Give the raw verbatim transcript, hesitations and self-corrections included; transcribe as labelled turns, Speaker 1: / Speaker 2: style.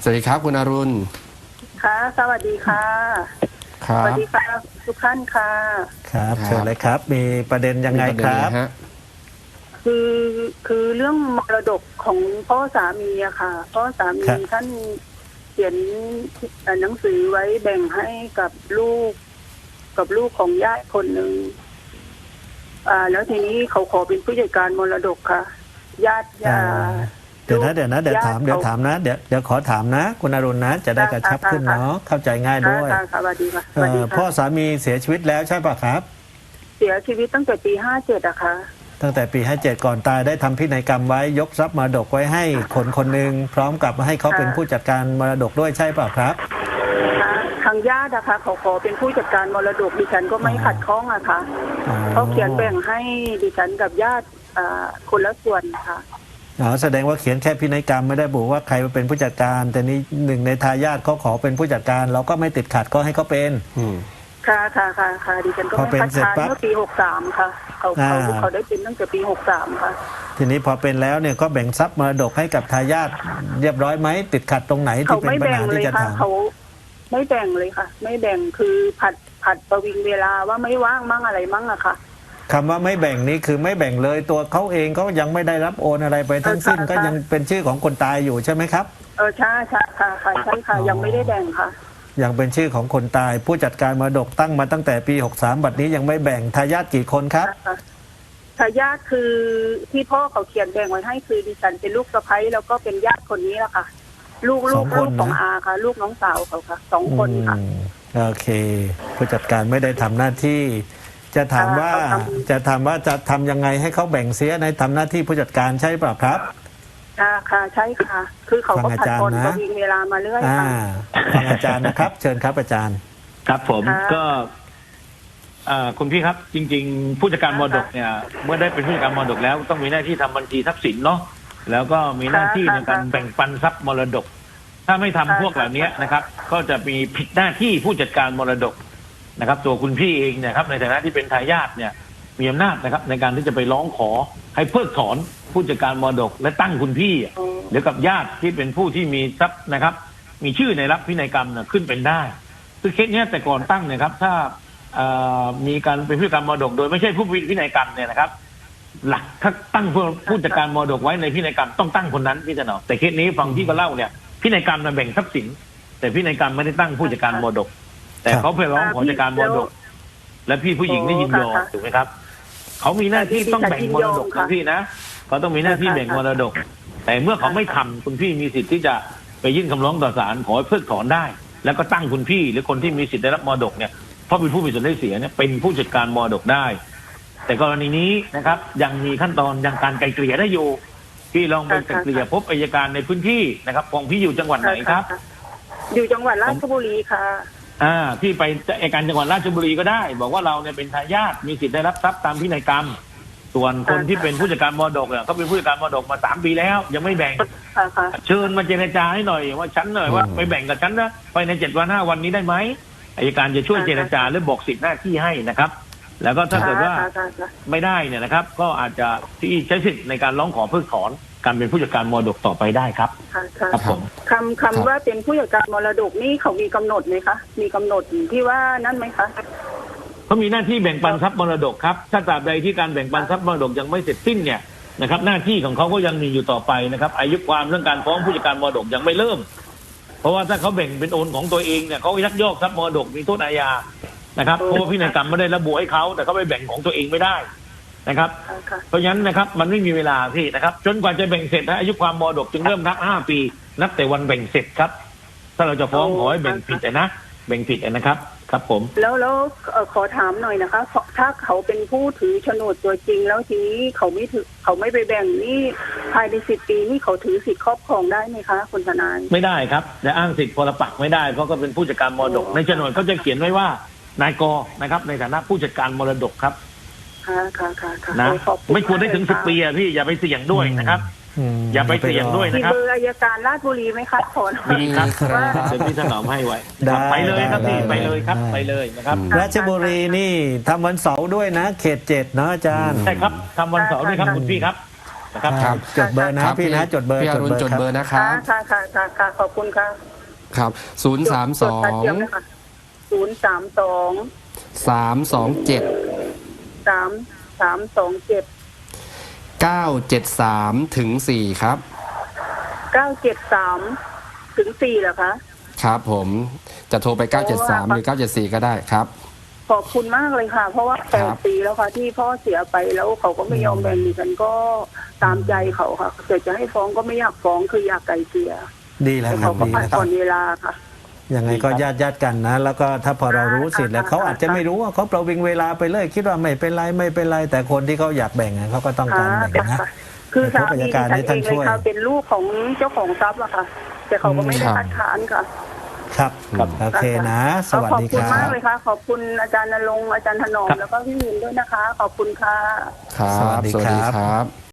Speaker 1: สวัสดีครับคุณอรุณ
Speaker 2: ค่ะสวัสดีค่ะ
Speaker 1: ครับ
Speaker 2: สวัสดีค่ะทุกท่านค่ะ
Speaker 3: ครับเชิญเลยครับมีประเด็นยังไงครับ
Speaker 2: คือคือเรื่องมรดกของพ่อสามีอะค่ะพ่อสามีท่านเขียนหนังสือไว้แบ่งให้กับลูกกับลูกของญาติคนหนึ่งอ่าแล้วทีนี้เขาขอเป็นผู้จัดการมรดกค่ะญาติญา
Speaker 3: เดี๋ยวนะเดี๋ยวนะเดี๋ยวถามเดี๋ยวถามนะเดี๋ยวเดี๋ยวขอถามนะคุณอรุณนะจะได้กระชับขึ้นเนาะเข้าใจง่ายด้วย
Speaker 2: สวัสดีค่ะ
Speaker 3: พ่อสามีเสียชีวิตแล้วใช่ป่ะครับ
Speaker 2: เสียชีวิตตั้งแต่ปีห้าเจ็ดอะค่ะ
Speaker 3: ตั้งแต่ปีห้าเจ็ดก่อนตายได้ทำพินัยกรรมไว้ยกทรัพย์มรดกไว้ให้คนคนหนึ่งพร้อมกับให้เขาเป็นผู้จัดการมรดกด้วยใช่ป่ะครับ
Speaker 2: ทางญาตินะคะเขาขอเป็นผู้จัดการมรดกดิฉันก็ไม่ขัดข้องอะค่ะเขาเขียนแบ่งให้ดิฉันกับญาติคนละส่วนค่ะ
Speaker 3: อ๋อแสดงว่าเขียนแค่พินัยกรรมไม่ได้บอกว่าใครเป็นผู้จัดการแต่นี้หนึ่งในทายาทเขาขอเป็นผู้จัดการเราก็ไม่ติดขัดก็ให้เขาเป็น
Speaker 2: ค่ะค่ะค่ะค่ะดิฉันก็ไม่คัดค้านเมื่อปีหกสามค่ะเขาเขาเขาได้เป็นตั้งแต่ปีหกสามค่ะ
Speaker 3: ทีนี้พอเป็นแล้วเนี่ยก็แบ่งทรัพย์มรดกให้กับทายาทเรียบร้อยไหมติดขัดตรงไหนที่เป็นปัญหาที่จะถาม
Speaker 2: เขาไม่แบ่งเลยค่ะไม่แบ่งคือผัดผัดประวิงเวลาว่าไม่ว่างมั่งอะไรมั่งอะค่ะ
Speaker 3: คำว่าไม่แบ่งนี้คือไม่แบ่งเลยตัวเขาเองก็ยังไม่ได้รับโอนอะไรไปทั้งสิ้นก็ยังเป็นชื่อของคนตายอยู่ใช่ไหมครับ
Speaker 2: เออใช่ใช่ค่ะค่ะใช่ค่ะยังไม่ได้แบ่งค่ะ
Speaker 3: ยังเป็นชื่อของคนตายผู้จัดการมรดกตั้งมาตั้งแต่ปีหกสามบัดนี้ยังไม่แบ่งทายาทกี่คนครับ
Speaker 2: ทายาทคือที่พ่อเขาเขียนแบ่งไว้ให้คือดิฉันเป็นลูกสะใภ้แล้วก็เป็นญาติคนนี้แหละค่ะลูกลูกลูกของอาค่ะลูกน้องสาวเขาค่ะสองคนค่ะ
Speaker 3: โอเคผู้จัดการไม่ได้ทำหน้าที่จะถามว่าจะถามว่าจะทำยังไงให้เขาแบ่งเสียในทำหน้าที่ผู้จัดการใช่ป่ะครับ
Speaker 2: ค่ะค่ะใช่ค่ะคือเขาก็ผัดคนก็มีเวลามาเรื่อยค่ะ
Speaker 3: ฟังอาจารย์นะครับเชิญครับอาจารย์
Speaker 4: ครับผมก็คุณพี่ครับจริงๆผู้จัดการมรดกเนี่ยเมื่อได้เป็นผู้จัดการมรดกแล้วต้องมีหน้าที่ทำบัญชีทรัพย์สินเนาะแล้วก็มีหน้าที่ในการแบ่งปันทรัพย์มรดกถ้าไม่ทำพวกเหล่านี้นะครับก็จะมีผิดหน้าที่ผู้จัดการมรดกนะครับตัวคุณพี่เองเนี่ยครับในฐานะที่เป็นทายาทเนี่ยมีอำนาจนะครับในการที่จะไปร้องขอให้เพิกถอนผู้จัดการมรดกและตั้งคุณพี่หรือกับญาติที่เป็นผู้ที่มีทรัพย์นะครับมีชื่อในรับพินัยกรรมเนี่ยขึ้นเป็นได้คือเคสนี้แต่ก่อนตั้งเนี่ยครับถ้ามีการเป็นผู้จัดการมรดกโดยไม่ใช่ผู้พินัยกรรมเนี่ยนะครับหลักถ้าตั้งผู้จัดการมรดกไว้ในพินัยกรรมต้องตั้งคนนั้นพี่จะหนอแต่เคสนี้ฟังพี่ก็เล่าเนี่ยพินัยกรรมมันแบ่งทรัพย์สินแต่พินัยกรรมไม่ได้ตั้งผู้จัดการมรดกแต่เขาไปร้องขอจัดการมรดกและพี่ผู้หญิงได้ยินยอมถูกไหมครับเขามีหน้าที่ต้องแบ่งมรดกคุณพี่นะเขาต้องมีหน้าที่แบ่งมรดกแต่เมื่อเขาไม่ทำคุณพี่มีสิทธิ์ที่จะไปยื่นคำร้องต่อศาลขอให้เพิกถอนได้แล้วก็ตั้งคุณพี่หรือคนที่มีสิทธิ์ได้รับมรดกเนี่ยเพราะเป็นผู้มีส่วนได้เสียเนี่ยเป็นผู้จัดการมรดกได้แต่กรณีนี้นะครับยังมีขั้นตอนยังการไกลเกลี่ยได้อยู่พี่ลองไปไกลเกลี่ยพบอัยการในพื้นที่นะครับของพี่อยู่จังหวัดไหนครับ
Speaker 2: อยู่จังหวัดราชบุรีค่ะ
Speaker 4: อ่าที่ไปอัยการจังหวัดราชบุรีก็ได้บอกว่าเราเนี่ยเป็นทายาทมีสิทธิ์ได้รับทรัพย์ตามพินัยกรรมส่วนคนที่เป็นผู้จัดการมรดกเนี่ยเขาเป็นผู้จัดการมรดกมาสามปีแล้วยังไม่แบ่งเชิญมาเจรจาให้หน่อยว่าฉันหน่อยว่าไปแบ่งกับฉันนะไปในเจ็ดวันห้าวันนี้ได้ไหมอัยการจะช่วยเจรจาหรือบอกสิทธิหน้าที่ให้นะครับแล้วก็ถ้าเกิดว่าไม่ได้เนี่ยนะครับก็อาจจะที่ใช้สิทธิ์ในการร้องขอเพิกถอนการเป็นผู้จัดการมรดกต่อไปได้ครับ
Speaker 2: ครับผมคำคำว่าเป็นผู้จัดการมรดกนี่เขามีกำหนดไหมคะมีกำหนดที่ว่านั่นไหมคะ
Speaker 4: เขามีหน้าที่แบ่งปันทรัพย์มรดกครับถ้าตราบใดที่การแบ่งปันทรัพย์มรดกยังไม่เสร็จสิ้นเนี่ยนะครับหน้าที่ของเขาก็ยังมีอยู่ต่อไปนะครับอายุความเรื่องการฟ้องผู้จัดการมรดกยังไม่เริ่มเพราะว่าถ้าเขาแบ่งเป็นโอนของตัวเองเนี่ยเขายักยอกทรัพย์มรดกมีโทษอาญานะครับเพราะว่าพินัยกรรมไม่ได้ระบุให้เขาแต่เขาไปแบ่งของตัวเองไม่ได้นะครับเพราะฉะนั้นนะครับมันไม่มีเวลาพี่นะครับจนกว่าจะแบ่งเสร็จนะอายุความมรดกจึงเริ่มนับห้าปีนับแต่วันแบ่งเสร็จครับถ้าเราจะฟ้องขอให้แบ่งผิดนะแบ่งผิดนะครับครับผม
Speaker 2: แล้วแล้วขอถามหน่อยนะคะถ้าเขาเป็นผู้ถือโฉนดตัวจริงแล้วทีนี้เขาไม่ถือเขาไม่ไปแบ่งนี่ภายในสิบปีนี่เขาถือสิทธิครอบครองได้ไหมคะคุณทนาย
Speaker 4: ไม่ได้ครับแต่อ้างสิทธิพลปักไม่ได้เพราะก็เป็นผู้จัดการมรดกในโฉนดเขาจะเขียนไว้ว่านายกนะครับในฐานะผู้จัดการมรดกครับ
Speaker 2: ค่ะค่ะค่ะ
Speaker 4: นะไม่ควรได้ถึงสิบปีอะพี่อย่าไปเสี่ยงด้วยนะครับอย่าไปเสี่ยงด้วยนะครับ
Speaker 2: มีเบอร์อัยการราชบุรีไหมคะขอ
Speaker 4: มีครับเดี๋ยวพี่ถนอมให้ไว้ไปเลยครับพี่ไปเลยครับไปเลยนะครับ
Speaker 3: ราชบุรีนี่ทำวันเสาร์ด้วยนะเขตเจ็ดนะอาจารย์
Speaker 4: ใช่ครับทำวันเสาร์ด้วยครับคุณพี่ครับนะครับ
Speaker 1: ครับ
Speaker 3: จดเบอร์นะครับ พี่นะจดเบอร์
Speaker 1: พี่อรุณจด
Speaker 3: ครับ
Speaker 1: เบอร์นะครับ
Speaker 2: ค่ะค่ะค่ะค่ะขอบคุณค่ะ
Speaker 1: ครับศูนย์สามสอ
Speaker 2: จด
Speaker 1: ง
Speaker 2: แป๊บเดียวนะคะศูนย์สามสอง
Speaker 1: สามสองเจ็ด
Speaker 2: สามสามสองเจ็ด
Speaker 1: เก้าเจ็ดสามถึงสี่ครับ
Speaker 2: เก้าเจ็ดสามถึงสี่เหรอคะ
Speaker 1: ครับผมจะโทรไปเก้าเจ็ดสามหรือเก้าเจ็ดสี่ก็ได้ครับ
Speaker 2: ขอบคุณมากเลยค่ะ เพราะว่าแป
Speaker 1: ค
Speaker 2: ด
Speaker 1: รับ
Speaker 2: ปีแล้วค่ะ ที่พ่อเสียไปแล้วเขาก็ไม่ยอมแบ่งดิฉันก็ตามใจเขาค่ะแต่จะให้ฟ้องก็ไม่อยากฟ้องคืออยากไกลเกลี่ย
Speaker 3: ดีแล้ว
Speaker 2: แต่
Speaker 3: ครั
Speaker 2: เขา
Speaker 3: บ
Speaker 2: ก็
Speaker 3: ดี
Speaker 2: ผัด
Speaker 3: แล้วค
Speaker 2: ผ่
Speaker 3: รั
Speaker 2: อบ นเวลาค่ะ
Speaker 3: ยังไงก็ญาติญาติกันนะ แล้วก็ถ้าพอเรารู้สิทธิ์แล้วเขาอาจจะไม่รู้ว่าเขาประวิงเวลาไปเลย คิดว่าไม่เป็นไรไม่เป็นไรแต่คนที่เขาอยากแบ่งอะเขาก็ต้องการแบ่งนะ
Speaker 2: ค่ะคือสามีดิฉัน
Speaker 3: ให้
Speaker 2: เอ
Speaker 3: ท่าน
Speaker 2: งเล
Speaker 3: ช่
Speaker 2: ย
Speaker 3: วย
Speaker 2: ค่ะเป็นลูกของเจ้าของทรัพย์อะค่ะ แต่เขาก็ไม่ได้
Speaker 1: ครับ
Speaker 2: คัดค้านค่ะ
Speaker 3: ครับ
Speaker 1: ครับ
Speaker 3: โอเคนะ สวัสดี
Speaker 2: ขอบ
Speaker 3: ค
Speaker 2: คุณ
Speaker 3: รั
Speaker 2: มาก
Speaker 3: บ
Speaker 2: เลยค่ะ ขอบคุณอาจารย์ณรงค์อาจารย์ถนอม
Speaker 4: ครับ
Speaker 2: แล้วก็พี่มินด้วยนะคะ ขอบคุณค่ะ
Speaker 1: ครับ
Speaker 3: สวัสดีครับ
Speaker 1: ครับ